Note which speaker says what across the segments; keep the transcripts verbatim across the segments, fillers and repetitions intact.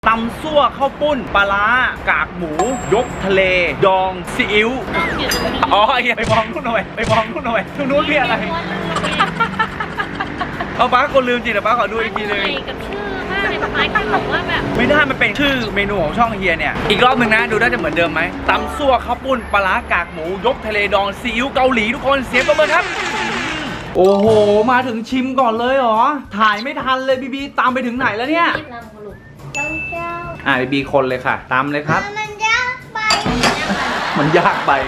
Speaker 1: ตำซั่วข้าวปุ้นปลาร้ากากหมูยกทะเลดองซีอิ๊วอ๋อไอ้ไปมองนู่นหน่อยไปมองนู่นหน่อยนู่นนู้นเรียกอะไรเอาป้าคนลืมจริงแต่ป้าขอดูอีกทีนึง
Speaker 2: กับชื่อมากเลยป้าแค่บอกว่าแบบ
Speaker 1: ไม่ได้มันเป็นชื่อเมนูของช่องเฮียเนี่ยอีกรอบหนึ่งนะดูน่าจะเหมือนเดิมไหมตำซั่วข้าวปุ้นปลาร้ากากหมูยกทะเลดองซีอิ๊วเกาหลีทุกคนเสียงปรบมือครับโอ้โหมาถึงชิมก่อนเลยเหรอถ่ายไม่ทันเลยบีบีตามไปถึงไหนแล้วเนี่ยอ่าบีบีคนเลยค่ะตามเลยครับ
Speaker 3: มันยากไป
Speaker 1: มันยากไป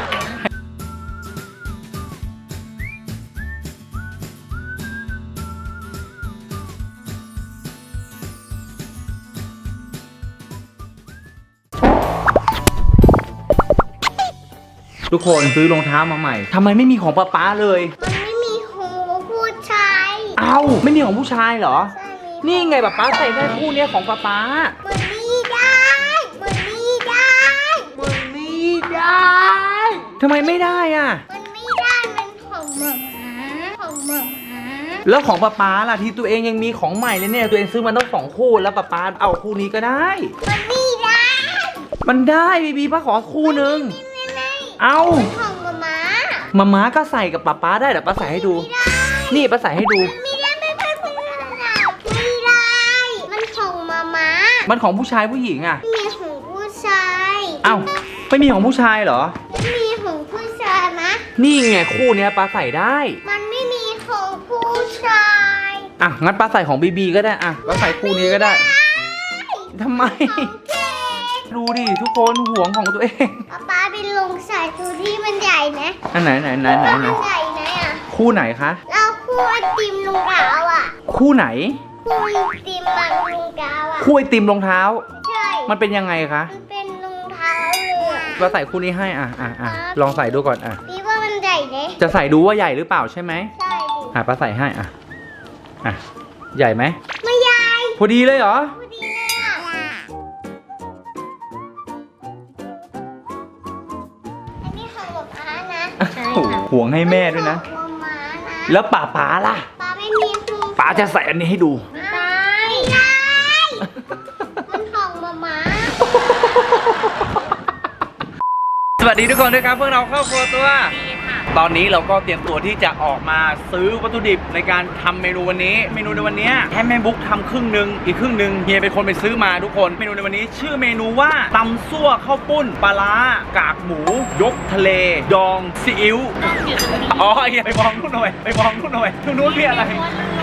Speaker 1: ทุกคนซื้อรองเท้ามาใหม่ทำไมไม่มีของป๊าป๊าเลย
Speaker 3: มันไม่มีของผู้ชาย
Speaker 1: เอ้าไม่มีของผู้ชายเหรอนี่ไงป๊าป๊าใส่ได้คู่นี้ของป๊าป๊า
Speaker 3: มันไม่ได้มันไม่ได้
Speaker 1: มันไม่ได้ทำไมไม่ได้อ่ะ
Speaker 3: มันไม่ได้มันของหมาของหมา
Speaker 1: แล้วของป๊าป๊าล่ะที่ตัวเองยังมีของใหม่เลยเนี่ยตัวเองซื้อมาต้องสองคู่แล้วป๊าป๊าเอาคู่นี้ก็ได้
Speaker 3: มันไม่ได้
Speaker 1: มันได้บีบีป้าขอคู่นึงเอา
Speaker 3: ของหมาม้า
Speaker 1: มาม้าก็ใส่กับป๊าป๊าได้เดี๋ยวป้าใส่ให้ดูนี่ป้าใส่ให้ดู
Speaker 3: ไม่ได้ไม่ได้ไม่ได้ไม่ได้มันของหมาม้า
Speaker 1: มันของผู้ชายผู้หญิงอ่ะ
Speaker 3: ไม่มีของผู้ชาย
Speaker 1: เอ้าไม่มีของผู้ชายเหรอ
Speaker 3: ไม่มีของผู้ชายนะ
Speaker 1: นี่ไงคู่เนี้ยป้าใส่ได้
Speaker 3: มันไม่มีของผู้ชาย
Speaker 1: อ่ะงั้นป้าใส่ของบีบีก็ได้อ่ะป้าใส่คู่นี้ก็ได้ทำไมดูดิทุกคนห่วงของตัวเอง
Speaker 3: ป๊าป๊าไปลงใส่ตัวที่มันใหญ่นะ
Speaker 1: อันไหนไหนไหนไหนไหน
Speaker 3: ใหญ่ไหนอ่ะ
Speaker 1: คู่ไหนคะ
Speaker 3: เราคู่ไอติมรองเท้าอ่ะ
Speaker 1: คู่ไหน
Speaker 3: คู่ไอติมบางรองเท้าอ่ะ
Speaker 1: คู่ไอติมรองเท้า
Speaker 3: ใช่
Speaker 1: มันเป็นยังไงคะ
Speaker 3: มันเป็นรองเท้าเลย
Speaker 1: เราใส่คู่นี้ให้อ่ะอ่ะอ่ะลองใส่ดูก่อนอ่ะ
Speaker 3: พี่ว่ามันใหญ่ไหม
Speaker 1: จะใส่ดูว่าใหญ่หรือเปล่าใช่ไหม
Speaker 3: ใช่ดิ
Speaker 1: อ่ะป้าใส่ให้อ่ะอ่ะใหญ่ไหม
Speaker 3: ไม่ใหญ่
Speaker 1: พอดีเลยเหรอ
Speaker 3: พอดีเลยอ่ะอันนี้ของหมอม้านะ
Speaker 1: ใช่ค่ะห่วงให้แม่ด้วยนะแล้วป๋าป๋าล่ะ
Speaker 3: ป๋าไม่มีคู่
Speaker 1: ป๋าจะใส่อันนี้ให้ดู
Speaker 3: ไม่ได้ไม่ได้มันของหมอม้า
Speaker 1: สวัสดีทุกคนด้วยครับพวกเราครอบครัวตัวตอนนี้เราก็เตรียมตัวที่จะออกมาซื้อวัตถุดิบในการทำเมนูวันนี้เมนูในวันนี้ให้แม่บุ๊กทำครึ่งหนึ่งอีกครึ่งหนึ่งเฮียเป็นคนไปซื้อมาทุกคนเมนูในวันนี้ชื่อเมนูว่าตำซั่วข้าวปุ้นปลาร้ากากหมูยกทะเลดองซีอิ๊วอ๋อเฮียไปมองนู่นหน่อยไปมองนู่นหน่อยนู่นนู้นเรียกอะไร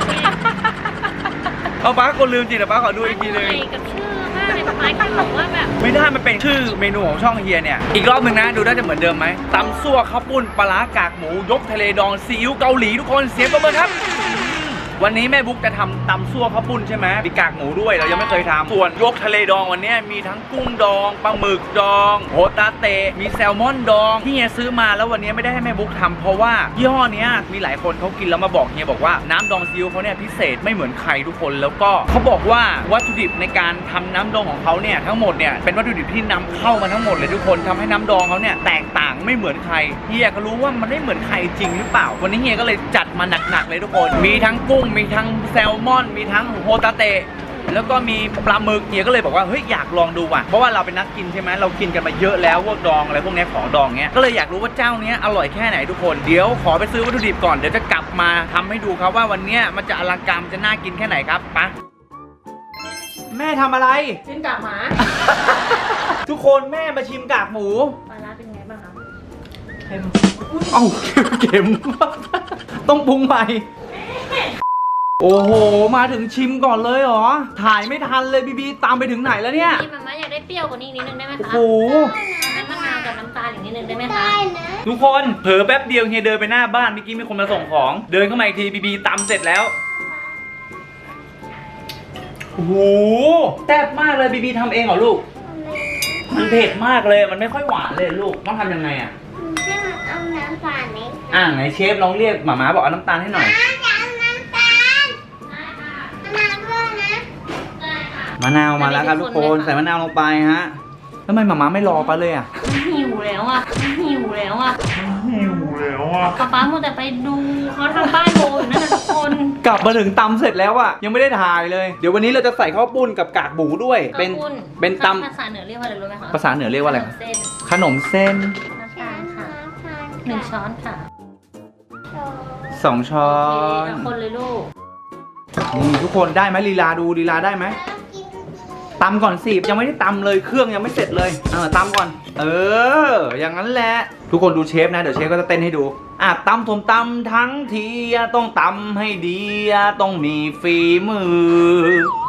Speaker 1: เอาป้าคนลืมจริงแต่ป้าขอดูอีกทีนึง
Speaker 2: กับชื่อมากเลยป้าแค่บอกว่าแบบ
Speaker 1: ไม่ได้มันเป็นชื่อเมนูของช่องเฮียเนี่ยอีกรอบหนึ่งนะดูน่าจะเหมือนเดิมไหมตำซั่วข้าวปุ้นปลาร้ากากหมูยกทะเลดองซีอิ๊วเกาหลีทุกคนเสียงปรบมือครับวันนี้แม่บุ๊กจะทำตำซั่วข้าวปุ้นใช่ไหมมีกากหมูด้วยเรายังไม่เคยทำส่วนยกทะเลดองวันนี้มีทั้งกุ้งดองปลาหมึกดองโฮตาเตะมีแซลมอนดองที่เฮียซื้อมาแล้ววันนี้ไม่ได้ให้แม่บุ๊กทำเพราะว่ายี่ห้อนี้มีหลายคนเขากินแล้วมาบอกเฮียบอกว่าน้ำดองซีอิ๊วเขาเนี่ยพิเศษไม่เหมือนใครทุกคนแล้วก็เขาบอกว่าวัตถุดิบในการทำน้ำดองของเขาเนี่ยทั้งหมดเนี่ยเป็นวัตถุดิบที่นำเข้ามาทั้งหมดเลยทุกคนทำให้น้ำดองเขาเนี่ยแตกต่างไม่เหมือนใครเฮียก็รู้ว่ามันไม่เหมือนใครจริงหรือเปล่าวันนี้เฮียก็เลยจัดมาหนักๆเลยทุกคนมีทั้งกุ้งมีทั้งแซลมอนมีทั้งโฮตาเตะแล้วก็มีปลาหมึกเฮียก็เลยบอกว่าเฮ้ยอยากลองดูว่ะเพราะว่าเราเป็นนักกินใช่ไหมเรากินกันมาเยอะแล้วพวกดองอะไรพวกนี้ของดองเนี้ยก็เลยอยากรู้ว่าเจ้านี้อร่อยแค่ไหนทุกคนเดี๋ยวขอไปซื้อวัตถุดิบก่อนเดี๋ยวจะกลับมาทำให้ดูครับว่าวันนี้มันจะอลังการจะน่ากินแค่ไหนครับปะแม่ทำอะไร
Speaker 2: ชิมกากหมา
Speaker 1: ทุกคนแม่มาชิมกากหมู
Speaker 2: ปลาร้าเป็นไงบ้างครับ
Speaker 1: เค็มเอ้าเค็มต้องปรุงใหม่โอ้โหมาถึงชิมก่อนเลยเหรอถ่ายไม่ทันเลยบีบีตามไปถึงไหนแล้วเนี่ย
Speaker 2: พี่มาม่าอยากได้เปรี้ยวกว่านี้นิดนึงได้ไหมคะ
Speaker 1: โอ้โห
Speaker 2: น้ำมะนาวกับน้ำตาลอย่างนิดนึงได้ไหมคะ
Speaker 3: ได้นะ
Speaker 1: ทุกคนเผลอแป๊บเดียวเฮียเดินไปหน้าบ้านเมื่อกี้มีคนมาส่งของเดินเข้ามาอีกทีบีบีตำเสร็จแล้วโอ้โหแซ่บมากเลยบีบีทำเองเหรอลูกมันเผ็ดมากเลยมันไม่ค่อยหวานเลยลูกต้องทำยังไงอ่ะ
Speaker 3: ให้มันเอาน้ำตาลไหม
Speaker 1: อ่าไหนเชฟลองเรียกหม่าม้าบอกเอาน้ำตาลให้หน่อยมะนาวมาแล้วครับทุกคนใส่มะนาวลงไปฮะทำไมหม่าม้าไม่รอปะเลยอ่ะ
Speaker 2: หิวแล้วอ่ะหิวแล้วอ่ะ
Speaker 1: หิว
Speaker 4: แล้วอ่ะ
Speaker 2: ป๊าป๊ามัวแต่ไปดูเขาทำป้ายโบอยู่นั่นนะทุกคน
Speaker 1: กลับมาถึงตำเสร็จแล้วอะยังไม่ได้ถ่ายเลย เดี๋ยววันนี้เราจะใส่ข้าวปุ้นกับกากหมูด้วย เป็น
Speaker 2: ข้าวปุ้น
Speaker 1: เป็นต
Speaker 2: ภาษาเหนือเรียกว่าอะไรรู้ไหมคะ
Speaker 1: ำภาษาเหนือเรียกว่าอะไร
Speaker 2: ขนมเส้น
Speaker 1: ขนมเส้น
Speaker 2: น้ำตาลค่ะหนึ่งช้อนค่ะ
Speaker 1: สองช้อ
Speaker 2: โอเคน เอาคนเลยลูก
Speaker 1: นี่ทุกคนได้ไหมลีลาดูลีลาได้ไหมตำก่อนสิยังไม่ได้ตำเลยเครื่องยังไม่เสร็จเลยเออตำก่อน เออ อย่างนั้นแหละ ทุกคนดูเชฟนะเดี๋ยวเชฟก็จะเต้นให้ดูอ่ะตำผมตำทั้งทีต้องตำให้ดีต้องมีฝีมือ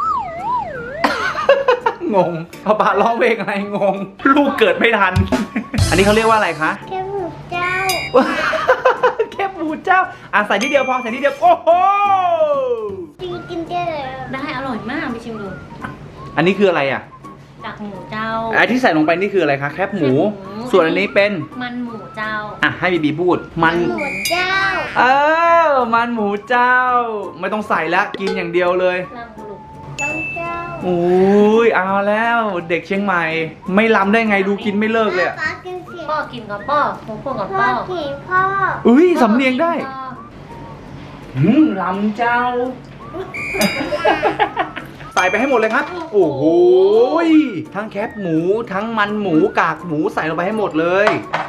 Speaker 1: งงป้าป้าร้องเพลงอะไรงง ลูกเกิดไม่ทัน อันนี้เขาเรียกว่าอะไรคะ
Speaker 3: แค่หมูเจ้า
Speaker 1: แค่ปูเจ้าอ่ะใส่ทีเดียวพอใส่ทีเดียวโอ้โห
Speaker 3: กินกินได้เลย
Speaker 2: ได้อร่อยมากไปชิมดู
Speaker 1: อันนี้คืออะไรอ่ะ
Speaker 2: กากหมูเจ้า
Speaker 1: ไอ้ที่ใส่ลงไปนี่คืออะไรคะแคบหมู
Speaker 2: แคบหมู
Speaker 1: ส่วนอันนี้เป็น
Speaker 2: มันหมูเจ้า
Speaker 1: อ่ะให้บีบีพูดมัน
Speaker 3: หมูเจ้า
Speaker 1: เออมันหมูเจ้า ไม่ต้องใส่แล้วกินอย่างเดียวเลย
Speaker 2: ลำบุรุษ
Speaker 3: น้องเจ้า
Speaker 1: อุ้ยเอาแล้วเด็กเชียงใหม่ ไม่ล้ำได้ไงดูกินไม่เลิกเลยอะ
Speaker 3: ป้ากินเสียง
Speaker 2: พ่อกินกับพ่อผมพูดกับ
Speaker 3: พ่อ
Speaker 2: พ่อ
Speaker 3: กินพ่อ
Speaker 1: อุ้ยสำเนียงได้
Speaker 2: พ่อ
Speaker 1: หืมล้ำเจ้า ใส่ไปให้หมดเลยครับ โอ้โหยทั้งแคบหมูทั้งมันหมูกากหมูใส่ลงไปให้หมดเลย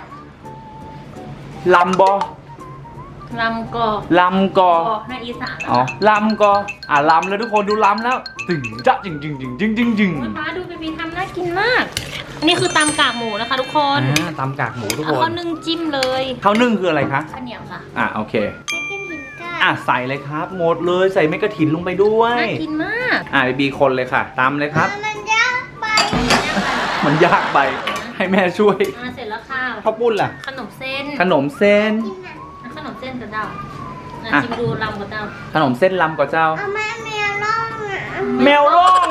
Speaker 1: ลำบอ
Speaker 2: ลำกอ
Speaker 1: ลำกอ
Speaker 2: กอในอีสานนะ
Speaker 1: อ๋อ
Speaker 2: คะ
Speaker 1: ลำก็อ่ะลำแล้วทุกคนดูลำแล้วตึงจะจึงจึงจึงจึงจึงจึง
Speaker 2: โอ้ยป้าดูบีบีทำน่ากินมาก นี่คือตำกากหมูนะคะทุกคน
Speaker 1: อ่าตำกากหมูทุก
Speaker 2: เอา
Speaker 1: คน
Speaker 2: ข้าวนึ่งจิ้มเลย
Speaker 1: ข้าวนึ่งคืออะไรคะ
Speaker 2: ข้าวเหนียวค่ะ
Speaker 1: อ่ะโอเค
Speaker 3: ไม่กินหินก้า
Speaker 1: อ่ะใส่เลยครับ หมดเลยใส่เม็ดกระถินลงไปด้วย
Speaker 2: น่ากินมาก
Speaker 1: อ่ะบีบีคนเลยค่ะตำเลยครับ
Speaker 3: มันยากไป
Speaker 1: มันยากไปให้แม่ช่วย
Speaker 2: อ่าเสร็จแล้วค่ะ
Speaker 1: ข้าวปุ้นล่ะ
Speaker 2: ขนมเส้น
Speaker 1: ขนมเส้น
Speaker 3: กินอ่ะ
Speaker 2: อ่ะขนมเส้นกระเดาอ่ะ
Speaker 1: อ่ะ
Speaker 2: ชิมดูลำกระเดา
Speaker 1: ขนมเส้นลำกับเจ้า
Speaker 3: เอาแม่แมวล่องอ่ะ
Speaker 1: แมวล่อง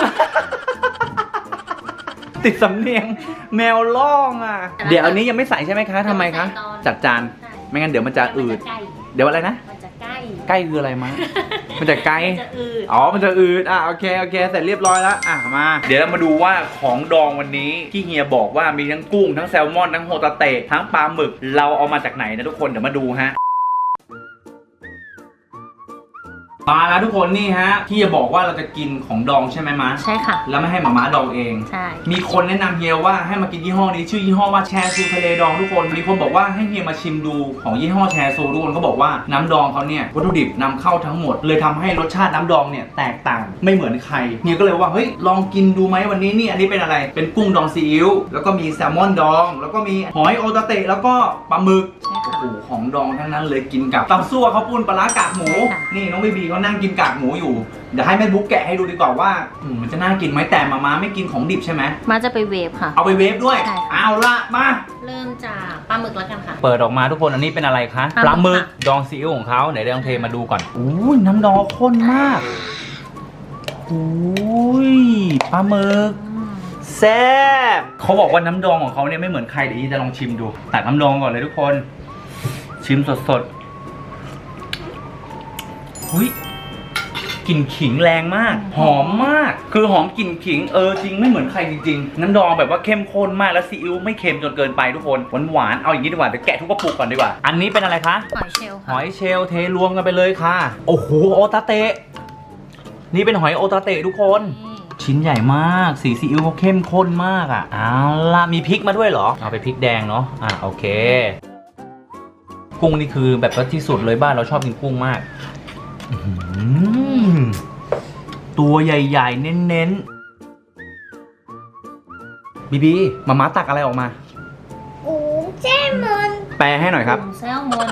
Speaker 1: ติดสำเนียง แมวล่องอ่ะ เดี๋ยวอันนี้ยังไม่ใส่ใช่ไหมคะทำไมคะ จัดจาน ไม่งั้นเดี๋ยวมันจะอืด
Speaker 2: ใกล้
Speaker 1: เดี๋ยวอะไรนะ
Speaker 2: มันจะใกล้
Speaker 1: ใกล้คืออะไรมะ มันจะไกล
Speaker 2: มันจะอืด
Speaker 1: อ๋อ มันจะอืด อ่ะ โอเค โอเค เสร็จเรียบร้อยแล้ว อ่ะ มา เดี๋ยวเรามาดูว่าของดองวันนี้ที่เฮียบอกว่ามีทั้งกุ้ง ทั้งแซลมอน ทั้งโฮตาเตะ ทั้งปลาหมึก เราเอามาจากไหนนะทุกคน เดี๋ยวมาดูฮะ มาแล้วทุกคนนี่ฮะ ที่จะบอกว่าเราจะกินของดองใช่ไหมมะ
Speaker 2: ใช่ค่ะ
Speaker 1: แล้วไม่ให้หมาม้าดองเอง
Speaker 2: ใช่
Speaker 1: มีคนแนะนำเฮียว่าให้มากินยี่ห้อนี้ชื่อยี่ห้อว่าแชซูทะเลดองทุกคน มีคนบอกว่าให้เฮียมาชิมดูของยี่ห้อแชซูทุกคนเขาบอกว่าน้ำดองเขาเนี่ยวัตถุดิบนำเข้าทั้งหมด เลยทำให้รสชาติน้ำดองเนี่ยแตกต่างไม่เหมือนใครเฮียก็เลยว่าเฮ้ยลองกินดูไหมวันนี้นี่อันนี้เป็นอะไรเป็นกุ้งดองซีอิ๊วแล้วก็มีแซลมอนดอง แล้วก็มีหอยโอตาเตะแล้วก็ปลาหมึก
Speaker 2: ใช่ค่ะ
Speaker 1: โอ้โหของดองทั้งนั้นเลยกินกับตำซั่วข้าวปุ้นปลาร้ากากหมู
Speaker 2: ใช่ค่ะ
Speaker 1: นี่น้องบีบีเขานั่งกินกากหมูอยู่เดี๋ยวให้แม่บุ๊กแกะให้ดูดีกว่าว่าอืมมันจะน่ากินไหมแต่มาม่าไม่กินของดิบใช่ไหม
Speaker 2: มาจะไปเวฟค่ะ
Speaker 1: เอาไปเวฟด้วย
Speaker 2: ใช่ค่ะ
Speaker 1: เอาละมา
Speaker 2: เริ่มจากปลาหมึกแล้วกันค่ะ
Speaker 1: เปิดออกมาทุกคนอันนี้เป็นอะไรคะ
Speaker 2: ปลาหมึก
Speaker 1: ดองซีอิ๊วของเขาไหนเดี๋ยวลองเทมาดูก่อนอุ้ยน้ำดองข้นมากอุ้ยปลาหมึกแซ่บเขาบอกว่าน้ำดองของเขาเนี่ยไม่เหมือนใครเดี๋ยวอีจะลองชิมดูตักน้ำดองก่อนเลยทุกคน ชิมสดๆอุ้ยกลิ่นขิงแรงมาก หอมมาก คือหอมกลิ่นขิงเออจริงไม่เหมือนใครจริงๆน้ำดองแบบว่าเข้มข้นมากแล้วซีอิ๊วไม่เค็มจนเกินไปทุกคนหวานๆเอาอย่างนี้ดีกว่าเดี๋ยวแกะทุกกระปุกก่อนดีกว่าอันนี้เป็นอะไรคะ
Speaker 2: หอยเชลล์
Speaker 1: ห
Speaker 2: ค่ะ
Speaker 1: อยเชลล์เทรวมกันไปเลยค่ะ โอ้โหโอตาเตะ นี่เป็นหอยโอตาเตะทุกคน
Speaker 2: นี่
Speaker 1: ชิ้นใหญ่มาก สีซีอิ๊วเขาเข้มข้นมากอ่ะเอาล่ะมีพริกมาด้วยเหรอ เอาไปพริกแดงเนาะ อ่ะโอเค กุ้งนี่คือแบบว่าที่สุดเลยบ้านเราชอบกินกุ้งมากอื้อหือตัวใหญ่ๆ เน้นๆ บีบีมาม่าตักอะไรออกมา
Speaker 3: กูเจ้มัน
Speaker 1: แปลให้หน่อยครับ
Speaker 2: กุ้งแซลมอน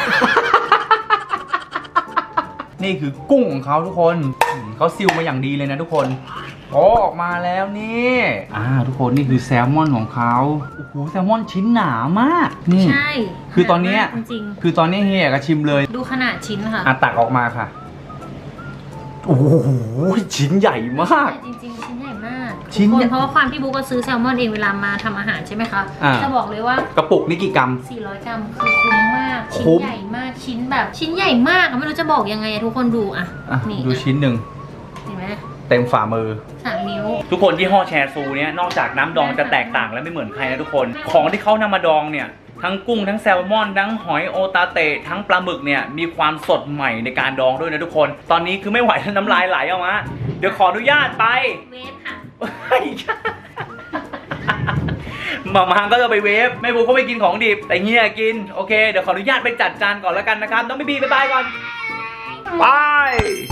Speaker 1: นี่คือกุ้งของเขาทุกคนอืมเขาซิลมาอย่างดีเลยนะทุกคนโอ้ออกมาแล้วนี่อ่าทุกคนนี่คือแซลมอนของเขาโอ้โหแซลมอนชิ้นหนามากนี่
Speaker 2: ใช่
Speaker 1: คือตอนเนี้ย
Speaker 2: จริง
Speaker 1: คือตอนนี้เฮียก็ชิมเลย
Speaker 2: ๆดูขนาดชิ้นค่ะ
Speaker 1: อ่ะตักออกมาค่ะโอ้โหชิ้นใหญ่มาก
Speaker 2: จริงๆชิ้นใหญ่มาก
Speaker 1: ชิ้น
Speaker 2: ทุก
Speaker 1: ใหญ่
Speaker 2: คนเพราะว่าความที่บุ๊กก็ซื้อแซลมอนเองเวลามาทำอาหารใช่ไหมคะ
Speaker 1: อ่า
Speaker 2: จะบอกเลยว่า
Speaker 1: กระปุกนี่กี่กรัม
Speaker 2: สี่ร้อยกรัมคือคุ้มมาก ชิ้
Speaker 1: คุ้
Speaker 2: น
Speaker 1: ม
Speaker 2: ใหญ่มาก ชิ้นแบบ ชิ้นใหญ่มากอะไม่รู้จะบอกยังไงอะทุกคนดูอะ
Speaker 1: อ่ะ
Speaker 2: นี่
Speaker 1: ดูชิ้นหนึ่ง
Speaker 2: เห็นไหม
Speaker 1: เต็มฝ่ามือ
Speaker 2: สามนิ้ว
Speaker 1: ทุกคนที่ห่อแชร์ซูเนี่ยนอกจากน้ำดองจะแตกต่างและไม่เหมือนใครนะทุกคน ของที่เขานำมาดองเนี่ยทั้งกุ้งทั้งแซลมอนทั้งหอยโอตาเตะทั้งปลาหมึกเนี่ยมีความสดใหม่ในการดองด้วยนะทุกคนตอนนี้คือไม่ไหวแล้วน้ำลายไหลออกมาเดี๋ยวขออนุญาตไป
Speaker 2: เวฟค่ะ
Speaker 1: มามาก็จะไปเวฟแม่บุ๊กก็ไม่กินของดิบแต่เฮียกินโอเคเดี๋ยวขออนุญาตไปจัดจานก่อนแล้วกันนะครับน้องบีบีบ๊ายบายก่อนบาย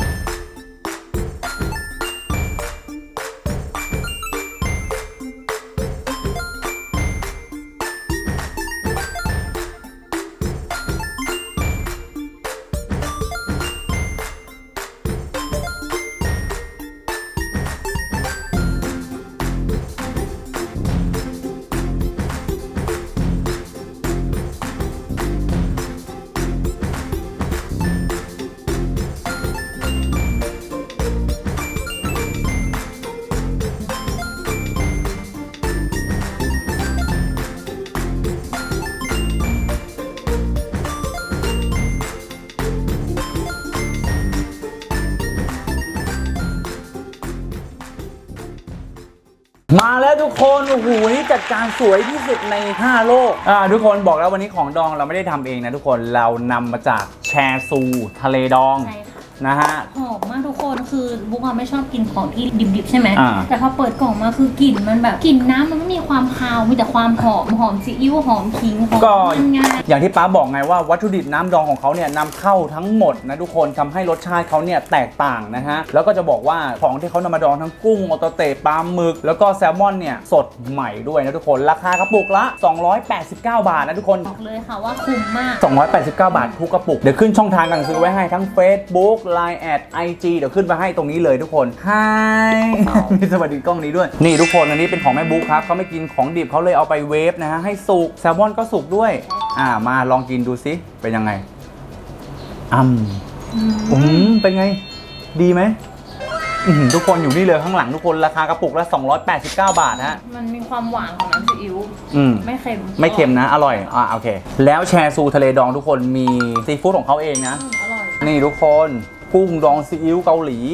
Speaker 1: มาแล้วทุกคนโอ้โหนี่จัดการสวยที่สุดในห้าโลกอ่าทุกคนบอกแล้ววันนี้ของดองเราไม่ได้ทำเองนะทุกคนเรานำมาจากแชซูทะเลดอง
Speaker 2: ใช่ค่ะ
Speaker 1: นะฮะ
Speaker 2: หอมมากทุกคนคือบุ๊กอะไม่ชอบกินของที่ดิบๆใช่ไหม
Speaker 1: อ่า
Speaker 2: แต่พอเปิดกล่องมาคือกลิ่นมันแบบกลิ่นน้ำมันไม่มีความคาวมีแต่ความหอมหอมซีอิ๊วหอมขิงหอม
Speaker 1: ก็
Speaker 2: มันงา
Speaker 1: อย่างที่ป้าบอกไงว่าวัตถุดิบน้ำดองของเขาเนี่ยนำเข้าทั้งหมดนะทุกคนทำให้รสชาติเขาเนี่ยแตกต่างนะฮะแล้วก็จะบอกว่าของที่เขานำมาดองทั้งกุ้งโอตาเตะปลาหมึกแล้วก็แซลมอนเนี่ยสดใหม่ด้วยนะทุกคนราคากระปุกละสองร้อยแปดสิบเก้าบาทนะทุกคน
Speaker 2: บอกเลยค่ะว่าคุ้มมาก
Speaker 1: สองร้อยแปดสิบเก้าบาททุกกระปุกเดี๋ยวขึ้นช่องทางการซื้อไว้ให้ทั้ง Facebook ไลน์ แอด ไอ จี เดี๋ยวขึ้นมาให้ตรงนี้เลยทุกคนฮายมีสวัสดีกล้องนี้ด้วยนี่ทุกคนอันนี้เป็นของแม่บุ๊คครับเขาไม่กินของดิบเขาเลยเอาไปเวฟนะฮะให้สุกแซลมอนก็สุกด้วยอ่ามาลองกินดูซิเป็นยังไงอืมอืมเป็นไงดีไหมอื้อหือทุกคนอยู่นี่เลยข้างหลังทุกคนราคากระปุกละสองร้อยแปดสิบเก้าบาทฮะ
Speaker 2: มันมีความหวานของน้ำซีอิ๊ว
Speaker 1: อืม
Speaker 2: ไม่เค็ม
Speaker 1: ไม่เค็มนะอร่อยอ่าโอเคแล้วแชซูทะเลดองทุกคนมีซีฟู้ดของเขาเองนะ
Speaker 2: อืมอร่อย
Speaker 1: นี่ทุกคนกุ้งดองซีอิ๊วเกาหลี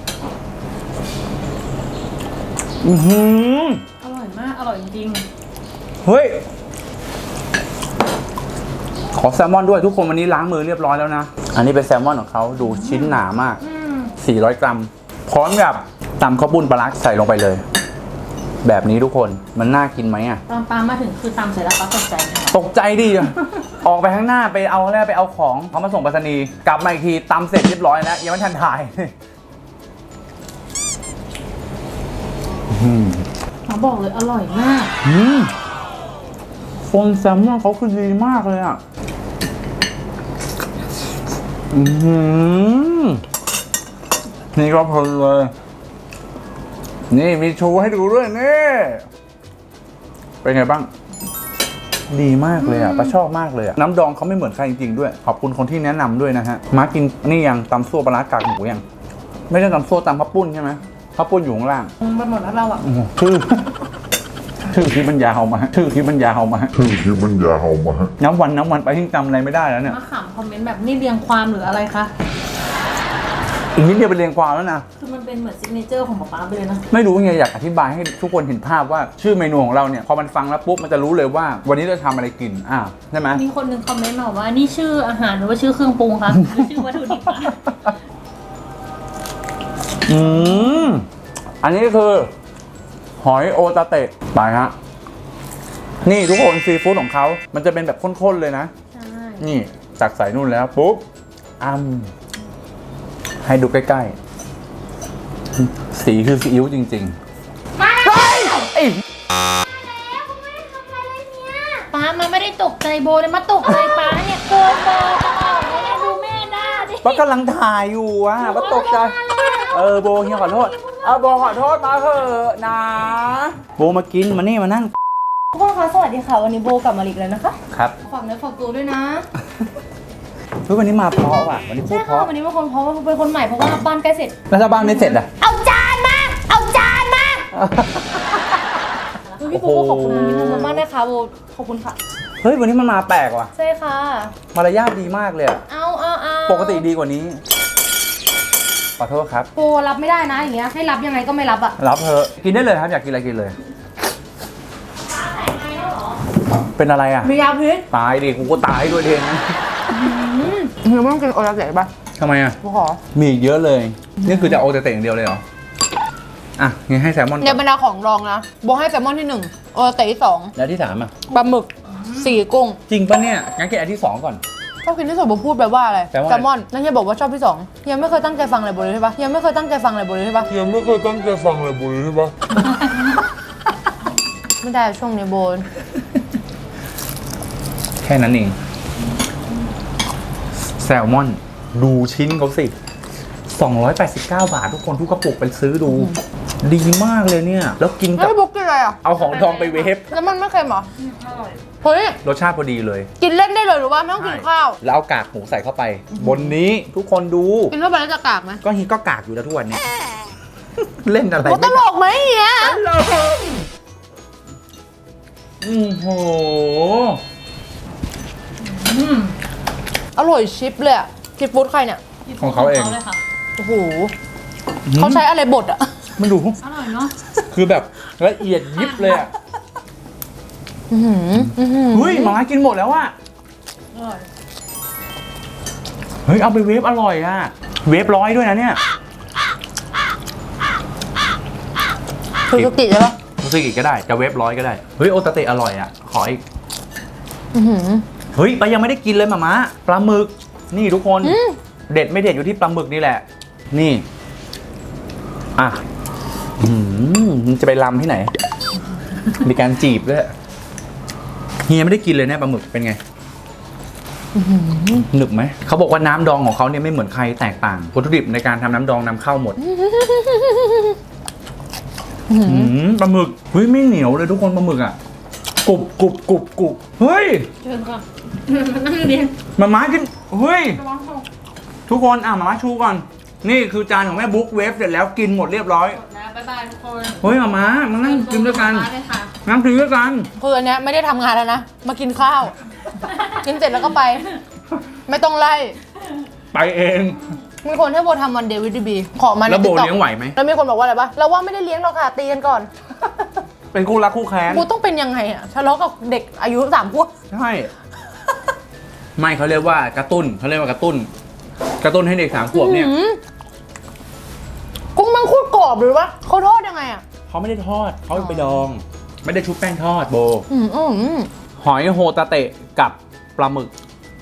Speaker 1: อือหือ
Speaker 2: อร่อยมากอร่อยจริง
Speaker 1: เฮ้ยขอแซลมอนด้วยทุกคนวันนี้ล้างมือเรียบร้อยแล้วนะ อันนี้เป็นแซลมอนของเขาดูชิ้นหนามาก
Speaker 2: ๆอืม
Speaker 1: สี่ร้อยกรัมพร้อมกับตำข้าวปุ้นปลาร้าใส่ลงไปเลย แบบนี้ทุกคนมันน่ากินไหมอ่ะ
Speaker 2: ตอนปลามาถึงคือตำเสร็จแล้วปลาตกใจค่ะ
Speaker 1: ตกใจดิ ออกไปข้างหน้าไปเอาแล้วไปเอาของเขามาส่งไปรษณีย์กลับมาอีกทีตำเสร็จเรียบร้อยแล้วยังไม่ทันถ่าย
Speaker 2: เขาบอกเลยอร่อยมาก
Speaker 1: อืมคนแซลมอนเขาคือดีมากเลยอ่ะอืมนี่ก็เพลินเลย นี่มีโชว์ให้ดูด้วยนี่เป็นไงบ้าง ดีมากเลยอ่ะป้าชอบมากเลยอ่ะน้ำดองเขาไม่เหมือนใครจริงๆด้วยขอบคุณคนที่แนะนำด้วยนะฮะมากินนี่ยังตำซั่วปลาร้ากากหมูยังไม่ได้ตำซั่วตำข้าวปุ้นใช่ไหมข้าวปุ้นอยู่ข้างล่าง
Speaker 2: ไปหมดแล้วเราอ่ะ
Speaker 1: โอ้โหชื่อ ชื่อที่มันยาวมาชื่อที่มันยาวมา
Speaker 4: ชื่อที่มันยาวมา
Speaker 1: น้ำวันน้ำวันไปที่จำอะไรไม่ได้แล้วเนี่ย
Speaker 2: มาขำคอมเมนต์แบบนี่เรียงความหรืออะไรคะ
Speaker 1: อีกนิดเดียวไปเรียงความแล้วนะ
Speaker 2: คือมันเป็นเหมือนซิกเนเจอร์ของป๊าป๊าไปเลยนะ
Speaker 1: ไม่รู้ไงอยากอธิบายให้ทุกคนเห็นภาพว่าชื่อเมนูของเราเนี่ยพอมันฟังแล้วปุ๊บมันจะรู้เลยว่า วันนี้เราทำอะไรกินอ่าใช่ไหม
Speaker 2: มีคนหนึ่งคอมเมนต์มาว่านี่ชื่ออาหารหรือว่าชื่อเครื่องปรุงคะหรือชื่อวัตถุดิบคะ
Speaker 1: อืมอันนี้คือหอยโอตาเตะไปฮะนี่ทุกคนซีฟู้ดของเขามันจะเป็นแบบข้นๆเลยนะ
Speaker 2: ใช่ นี่
Speaker 1: นี่จากใส่นู่นแล้วปุ๊บอ้ำให้ดูใกล้ๆสีคือซีอิ๊วจริงๆมาเฮ้ยไอ้
Speaker 2: ป๊ามันไม่ได้ตกใจโบเลยมาตกใจป๊าเนี่ยโกงโบจะออกเลยดูแม่หน้าดิ
Speaker 1: ป้ากำลังถ่ายอยู่อ่ะป้าตกใจเออโบเฮียขอโทษเออโบขอโทษมาเถอะนะโบมากินมานี่มานั่ง
Speaker 2: ทุกคนคะสวัสดีค่ะวันนี้โบกลับมาอีกแล้วนะคะ
Speaker 1: ครับ
Speaker 2: ฝากเนื้อฝากตัวด้วยนะ
Speaker 1: เฮ้ยวันนี้มาเพราะว่ะวันนี้พู
Speaker 2: ใช่
Speaker 1: ดเพ
Speaker 2: ค่ะ
Speaker 1: ราะ
Speaker 2: วันนี้เป็นคนเพราะว่าเป็นคนใหม่เพราะว่าบ้านใกล้เสร็จ
Speaker 1: แล้วถ้าบ้านไม่เสร็จอ่ะ
Speaker 2: เอาจานมา เอาจานมาพี่โบก็ขอบคุณพี่โบมากนะคะโบขอบคุณค่ะ
Speaker 1: เฮ้ยวันนี้มันมาแปลกว่ะ
Speaker 2: ใช่ค่ะ
Speaker 1: มารยาทดีมากเลยอะ
Speaker 2: เอาเอาเอา
Speaker 1: ปกติดีกว่านี้ขอโทษครับ
Speaker 2: โบรับไม่ได้นะอย่างเงี้ยให้รับยังไงก็ไม่รับอ่ะ
Speaker 1: รับเถอะกินได้เลยครับอยากกินอะไรกินเลยเป็นอะไรอ่ะ
Speaker 2: มียาพิษ
Speaker 1: ตายดิกูก็ตายด้วยเทนนะ
Speaker 4: เฮียไม่ต้องกินโอตาเตะป่ะ
Speaker 1: ทำไมอ่ะ
Speaker 4: กูขอ
Speaker 1: มีอีกเยอะเลย นี่คือจะโอเตเตะอย่างเดียวเลยเหรอ อ่ะงั้นให้แซลมอน
Speaker 4: ใน
Speaker 1: ก่อน
Speaker 4: บรรดาของรองนะโบให้แซลมอนที่หนึ่งโอตาเตะที่สอง
Speaker 1: แล้วที่สามอ่ะ
Speaker 4: ปลาหมึกสี่กุ้ง
Speaker 1: จริงปะเนี่ย งั้นกินอันที่สองก่อน
Speaker 4: ชอบกินที่สุดโบพูดไปว่าอะไร
Speaker 1: แปลว่าอะไร
Speaker 4: แซลมอนนั่นเฮียบอกว่าชอบที่สองเฮียไม่เคยตั้งใจฟังอะไรโบเลยใช่ปะเฮียไม่เคยตั้งใจฟังอะไรโบเลยใช่ปะ
Speaker 5: ยังไม่เคยตั้งใจฟังเลยบุญใช่ปะ
Speaker 4: ไม่ได้ช่วงนี้โบ
Speaker 1: แค่นั้นเอง แซลมอน ดูชิ้นเขาสิ สองร้อยแปดสิบเก้า บาททุกคนทุกกระปุกไปซื้อดู ดีมากเลยเนี่ย แล้วกิน
Speaker 4: แล้
Speaker 1: กับ
Speaker 4: วพี่บุ๊กกินอะไรอ่ะ
Speaker 1: เอาของทองไปเวฟ
Speaker 4: แล้วมันไม่เค็มเหรอเฮ้ย
Speaker 1: รสชาติพอดีเลย
Speaker 4: กินเล่นได้เลยหรือว่าไม่ต้องกินข้าว
Speaker 1: แล้วเอากากหมูใส่เข้าไป บนนี้ทุกคนดู
Speaker 4: กินเข้าไปแล้วจะกากไหม
Speaker 1: ก็ฮีก็กากอยู่แล้วทุกวันนี้ เล่นอะไร
Speaker 4: โบตลกไหมเฮีย
Speaker 1: ตลกอือโห
Speaker 4: อร่อยชิปเลยอะชิปฟู้ดใครเนี่ย
Speaker 1: ของเขาเอง
Speaker 2: เลยค่ะ
Speaker 4: โอ้โหเขาใช้อะไรบดอะ
Speaker 1: มันดู
Speaker 2: อร่อยเนาะ
Speaker 1: คือแบบละเอียดยิบเลยอ่ะ
Speaker 4: อื้อหืออื้อหือ
Speaker 1: เฮ้ยหมากินหมดแล้วอ่ะ
Speaker 2: อร่อย
Speaker 1: เฮ้ย เอาไปเวฟอร่อยอ่ะ เวฟร้อยด้วยนะเนี่ย
Speaker 4: คือสกิใช่ปะ
Speaker 1: รู้สึกอีกก็ได้ จะเวฟร้อยก็ได้ เฮ้ย โอตาเตะอร่อยอ่ะ ขออีก
Speaker 4: อื้อหือ
Speaker 1: เฮ้ยไปยังไม่ได้กินเลยหมาม้าปลาหมึก นี่ทุกคน
Speaker 4: อืม
Speaker 1: เด็ดไม่เด็ดอยู่ที่ปลาหมึกนี่แหละ นี่ อ่ะอืมจะไปลำที่ไหน มีการจีบด้วยเฮียไม่ได้กินเลยเนี่ยปลาหมึกเป็นไงหนึบไหม เขาบอกว่าน้ำดองของเขาเนี่ยไม่เหมือนใครแตกต่างวัตถุดิบในการทำน้ำดองนำเข้าหมด
Speaker 4: อื้อหื
Speaker 1: อื
Speaker 4: อ
Speaker 1: มปลาหมึก เฮ้ยไม่เหนียวเลยทุกคนปลาหมึกอ่ะกรุบกรุบกรุบกรุบเฮ้ย
Speaker 2: เชิญค่ะนั่งเรียน
Speaker 1: มาม้ากิน เฮ้ย ทุกคนอ่ะมาม้าชูก่อน นี่คือจานของแม่บุ๊กเวฟเสร็จแล้วกินหมดเรียบร้อย
Speaker 2: นะบ๊ายบายทุกคน
Speaker 1: เฮ้ยมาม้ามานั่งกินด้วยกัน
Speaker 2: เลยค่ะ
Speaker 1: นั่งกินด้วยกัน
Speaker 4: คืออันเนี้ยไม่ได้ทำงานแล้วนะ มากินข้าว กินเสร็จแล้วก็ไป ไม่ต้องไล่
Speaker 1: ไปเอง
Speaker 4: มีคนให้โบทำวันเดวิดบีขอมาใน
Speaker 1: แล้วโบ
Speaker 4: TikTok
Speaker 1: เลี้ยงไหวไหม
Speaker 4: แล้วมีคนบอกว่าอะไรปะเราว่าไม่ได้เลี้ยงหรอกค่ะตีกันก่อน
Speaker 1: เป็นคู่รักคู่แค้น
Speaker 4: โบต้องเป็นยังไงอะทะเลาะกับเด็กอายุสามขวบ
Speaker 1: ใช่ ไม่เขาเรียกว่ากระตุ้นเขาเรียกว่ากระตุ้น กระตุ้นให้เด็กสามขวบเนี่ย
Speaker 4: อื้อหือกุ้งมังคุดกรอบหรือวะเขาทอดยังไงอะ
Speaker 1: เขาไม่ได้ทอดเขาไปดอง ไม่ได้ชุบแป้งทอดโบ
Speaker 4: อืมอืมอืม
Speaker 1: หอยโฮตาเตะกับปลาหมึก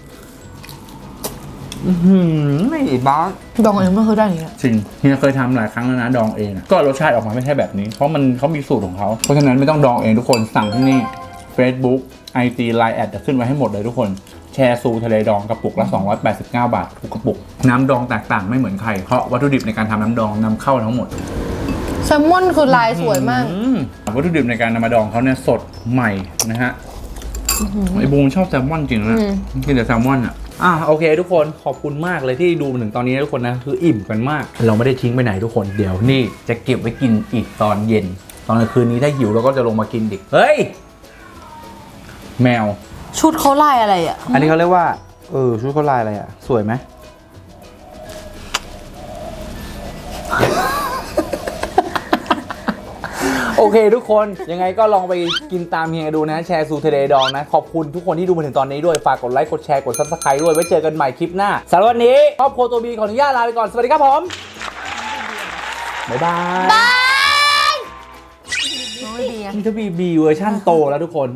Speaker 1: อือหือไม่บ้า
Speaker 4: ดองเองไม่เคยได้อย่างเงี้ย
Speaker 1: จริงเฮียเคยทำหลายครั้งแล้วนะดองเองอะก็รสชาติออกมาไม่ใช่แบบนี้ เพราะมันเขามีสูตรของเขา เพราะฉะนั้นไม่ต้องดองเองทุกคนสั่งที่นี่ Facebook ไอ จี ไลน์ แอดจะขึ้นไว้ให้หมดเลยทุกคน แชร์ซูทะเลดองกระปุกละสองร้อยแปดสิบเก้า บาททุกกระปุก น้ำดองแตกต่างไม่เหมือนใคร เพราะวัตถุดิบในการทำน้ำดองนำเข้าทั้งหมด
Speaker 4: แซลมอนคือลายสวยมาก
Speaker 1: อืมวัตถุดิบในการนำมาดองเขาเนี่ยสดใหม่นะฮะไอบูมชอบแซลมอนจริงนะ
Speaker 4: อืม
Speaker 1: กินแต่แซลมอนอ่ะอ่ะโอเค ทุกคนขอบคุณมากเลยที่ดูมาถึงตอนนี้นะทุกคนนะคืออิ่มกันมาก เราไม่ได้ทิ้งไปไหนทุกคนเดี๋ยวนี่จะเก็บไว้กินอีกตอนเย็น ตอนกลางคืนนี้ถ้าหิวเราก็จะลงมากินอีกเฮ้ยแมว
Speaker 4: ชุดเขาลายอะไรอะ
Speaker 1: อันนี้เขาเรียกว่าเออชุดเขาลายอะไรอ่ะสวยไหม โอเคทุกคนยังไงก็ลองไปกินตามเฮียดูนะแชร์ซูเทเดดองนะ ขอบคุณทุกคนที่ดูมาถึงตอนนี้ด้วย ฝากกดไลค์กดแชร์กดซับสไครต์ด้วย ไว้เจอกันใหม่คลิปหน้าสำหรับวันนี้ครอบครัวตัวบีขออนุญาตลาไปก่อน สวัสดีครับผม บ๊ายบาย
Speaker 4: น้อยดีอะ
Speaker 1: นี่ถ้าบีบีเวอร์ชั่นโตแล้วทุกคน